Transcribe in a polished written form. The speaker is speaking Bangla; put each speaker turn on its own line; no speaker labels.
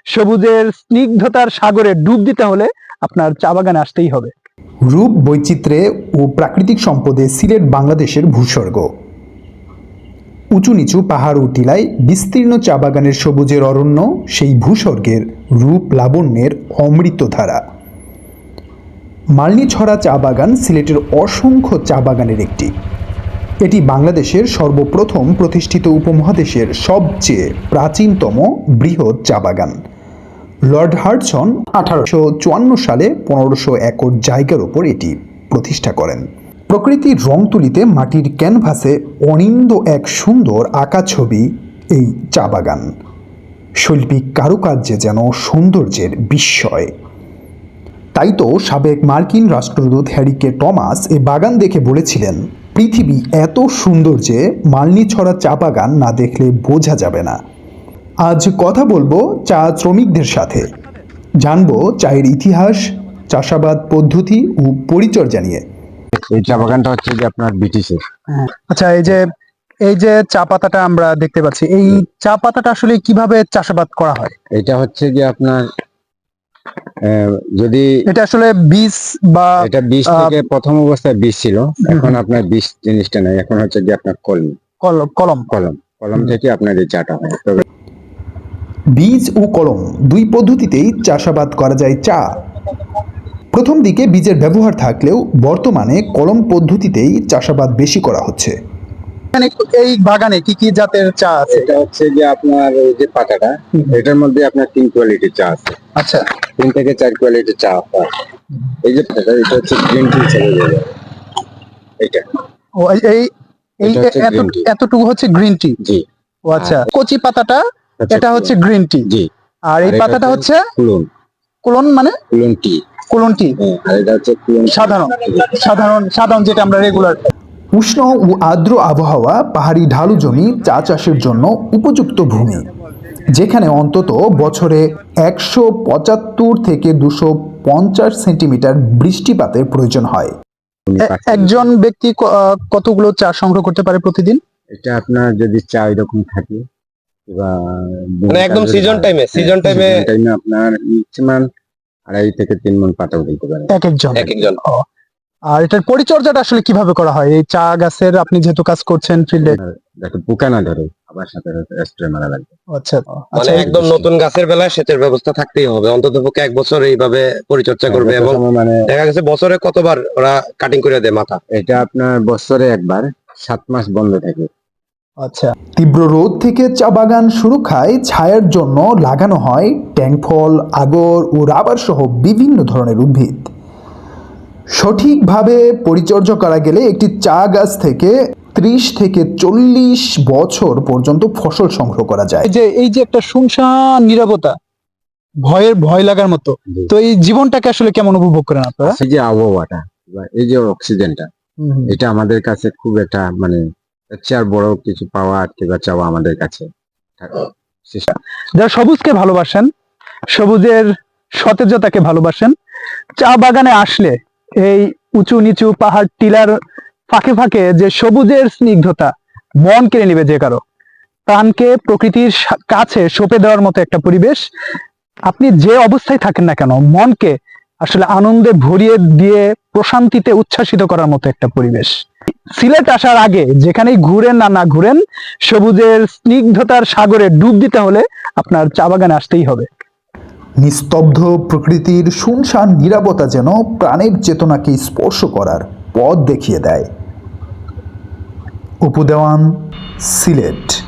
সবুজের স্নিগ্ধতার সাগরে ডুব দিতে হলে আপনার চা বাগানে আসতেই হবে।
রূপ, বৈচিত্র্যে ও প্রাকৃতিক সম্পদে সিলেট বাংলাদেশের ভূস্বর্গ। উঁচু নিচু পাহাড় ও টিলায় বিস্তীর্ণ চা বাগানের সবুজের অরণ্য সেই ভূস্বর্গের রূপ লাবণ্যের অমৃতধারা। মালনীছড়া চা বাগান সিলেটের অসংখ্য চা বাগানের একটি। এটি বাংলাদেশের সর্বপ্রথম প্রতিষ্ঠিত উপমহাদেশের সবচেয়ে প্রাচীনতম বৃহৎ চা বাগান। লর্ড হার্টসন 1854 সালে 1500 একর জায়গার ওপর এটি প্রতিষ্ঠা করেন। প্রকৃতির রং তুলিতে মাটির ক্যানভাসে অনিন্দ এক সুন্দর আঁকা ছবি এই চা বাগান। শৈল্পিক কারুকার্যে যেন সৌন্দর্যের বিস্ময়। তাই তো সাবেক মার্কিন রাষ্ট্রদূত হ্যারি কে টমাস এই বাগান দেখে বলেছিলেন, পৃথিবী এত সুন্দর যে মালনীছড়া চা বাগান না দেখলে বোঝা যাবে না। আজ কথা বলবো চা শ্রমিকদের সাথে, জানবো চায়ের ইতিহাস, চাষাবাদ পদ্ধতি ও পরিচর্যা নিয়ে।
এই চা বাগানটা হচ্ছে যে আপনার ব্রিটিশের।
আচ্ছা, এই যে চা পাতাটা আমরা দেখতে পাচ্ছি, এই চা পাতাটা আসলে কিভাবে চাষাবাদ করা হয়?
এটা হচ্ছে যে আপনার যদি
এটা আসলে বীজ বা
এটা বীজ থেকে প্রথম অবস্থায় বীজ ছিল, এখন আপনার বীজ জিনিসটা নাই, এখন হচ্ছে যে আপনার কলম থেকে আপনার এই চাটা হয়। তবে
বীজ ও কলম দুই পদ্ধতিতেই চাষাবাদ করা যায় চা। প্রথম দিকে বীজের ব্যবহার থাকলেও বর্তমানে কলম পদ্ধতিতেই চাষাবাদ বেশি করা হচ্ছে।
এই বাগানে কি কি জাতের চা আছে?
এটা হচ্ছে যে আপনার এই যে পাতাটা, এটার মধ্যে আপনার 3 কোয়ালিটির চা আছে।
আচ্ছা,
3 থেকে 4 কোয়ালিটির চা হয়। এই যে পাতাটা, এটা হচ্ছে গ্রিন টি চলে যাবে। এটা
ও এই এতটুকু হচ্ছে গ্রিন টি।
জি।
ও আচ্ছা, কচি পাতাটা এটা হচ্ছে গ্রিন টি।
জি।
আর এই পাতাটা হচ্ছে কুলন, মানে
কুলন টি।
কুলন টি।
আর এটা হচ্ছে
সাধারণ যেটা আমরা রেগুলার।
উষ্ণ ও আর্দ্র আবহাওয়া, পাহাড়ি ঢালু জমি চা চাষের জন্য উপযুক্ত ভূমি, যেখানে অন্তত বছরে 175 থেকে 250 সেন্টিমিটার বৃষ্টিপাতের প্রয়োজন হয়।
একজন ব্যক্তি কতগুলো চা সংগ্রহ করতে পারে প্রতিদিন?
এটা আপনার যদি চা এরকম থাকে বা
মানে একদম সিজন টাইমে
আপনার ম্যাক্সিমাম 2.5 থেকে 3 মণ পাতা উঠাইতে পারেন
এক একজন। আর এটার পরিচর্যাটা আসলে কিভাবে করা হয়? এই চা গাছের আপনি যেহেতু কাজ করছেন ফিল্ডে,
যাতে পোকা না ধরে, আবার সাথে স্প্রে মারা লাগবে।
আচ্ছা,
মানে একদম নতুন গাছের বেলায় সেচের ব্যবস্থা থাকতেই হবে, অন্তত পক্ষে 1 বছর এইভাবে পরিচর্যা করবে। এবং
মানে
দেখা গেছে বছরে কতবার ওরা কাটিং করে দেয় মাথা।
এটা আপনার বছরে একবার, 7 মাস বন্ধ থাকে।
আচ্ছা,
তীব্র রোদ থেকে চা বাগান সুরক্ষায় ছায়ার জন্য লাগানো হয় ট্যাংফল, আগর ও রাবার সহ বিভিন্ন ধরনের উদ্ভিদ। সঠিকভাবে পরিচর্যা করা গেলে একটি চা গাছ থেকে 30 থেকে 40 বছর পর্যন্ত ফসল সংগ্রহ করা যায়।
এই যে একটা শুনশান নীরবতা, ভয় লাগার মতো, তো এই জীবনটাকে আসলে কেমন উপভোগ করেন আপনারা?
এই যে আবহাওয়াটা বা এই যে অক্সিজেনটা, এটা আমাদের কাছে খুব একটা মানে আর বড় কিছু পাওয়া কিংবা চাওয়া আমাদের কাছে।
যারা সবুজকে ভালোবাসেন, সবুজের সতেজতাকে ভালোবাসেন, চা বাগানে আসলে এই উঁচু নিচু পাহাড় টিলার ফাঁকে ফাঁকে যে সবুজের স্নিগ্ধতা মন কেড়ে নিবে, যে কারো প্রাণকে প্রকৃতির কাছে সঁপে দেওয়ার মতো একটা পরিবেশ। আপনি যে অবস্থায় থাকেন না কেন, মনকে আসলে আনন্দে ভরিয়ে দিয়ে প্রশান্তিতে উচ্ছ্বাসিত করার মতো একটা পরিবেশ। সিলেট আসার আগে যেখানেই ঘুরেন না ঘুরেন, সবুজের স্নিগ্ধতার সাগরে ডুব দিতে হলে আপনার চা বাগানে আসতেই হবে।
নিস্তব্ধ প্রকৃতির শুনশান নীরবতা যেন প্রাণের চেতনাকে স্পর্শ করার পথ দেখিয়ে দেয়। উপদেওয়ান, সিলেট।